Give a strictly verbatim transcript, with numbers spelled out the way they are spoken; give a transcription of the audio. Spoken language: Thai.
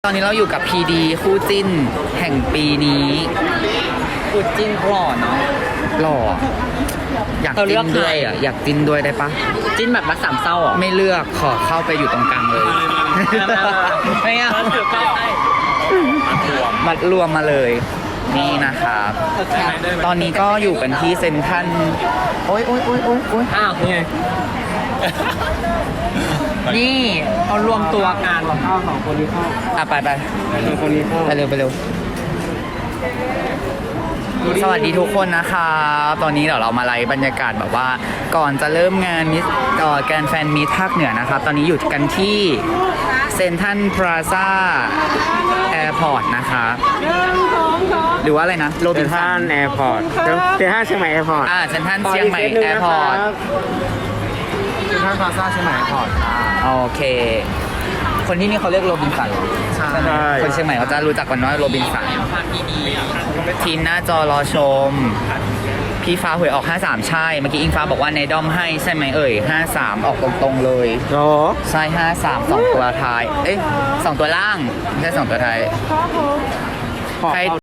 ตอนนี้เราอยู่กับพีดีคู่จิ้นแห่งปีนี้คู่จิ้นหล่อเนาะหล่ออยากจิ้นด้วยอ่ะอยากจิ้นด้วยได้ปะจิ้นแบบรักสามเศร้าอ่ะไม่เลือกขอเข้าไปอยู่ตรงกลางเลยไม่เอามัดรวมมาเลยนี่นะครับตอนนี้ก็อยู่กันที่เซ็นทรัลโอ๊ยโอ๊ยโอ๊ยโอ๊ยโอ๊ยอ้าวนี่นี่เขารวมตัวกันเข้าสองคนนี้เข้าอ่ะไปไปสองคนนี้เข้าไปเร็วไปเร็วสวัสดีทุกคนนะครับตอนนี้เดี๋ยวเรามาไล่บรรยากาศแบบว่าก่อนจะเริ่มงานมิสต่อแกรนด์แฟนมิตภาคเหนือนะครับตอนนี้อยู่กันที่เซ็นทรัลพลาซ่าแอร์พอร์ตนะคะหรือว่าอะไรนะโรบินสันแอร์พอร์ตเซนท่านเชียงใหม่แอร์พอร์ตอ่าเซ็นทรัลเชียงใหม่แอร์พอร์ตเซนท่านพลาซ่าเชียงใหม่แอร์พอร์ตโอเค คนที่นี่เขาเรียกโรบินสันเหรอใช่ไหมคนเชียงใหม่เขาจะรู้จักกันว่าโรบินสันทีมหน้าจอรอชม พี่ฟ้าหวยออกห้าสามใช่ เมื่อกี้อิงฟ้าบอกว่าในด้อมให้ใช่ไหมเอ่ยห้าสามออกตรงๆเลยโอ้ใช่ห้าสามสองตัวท้าย เอ๊ะสองตัวล่างไม่ใช่สองตัวท้ายใคร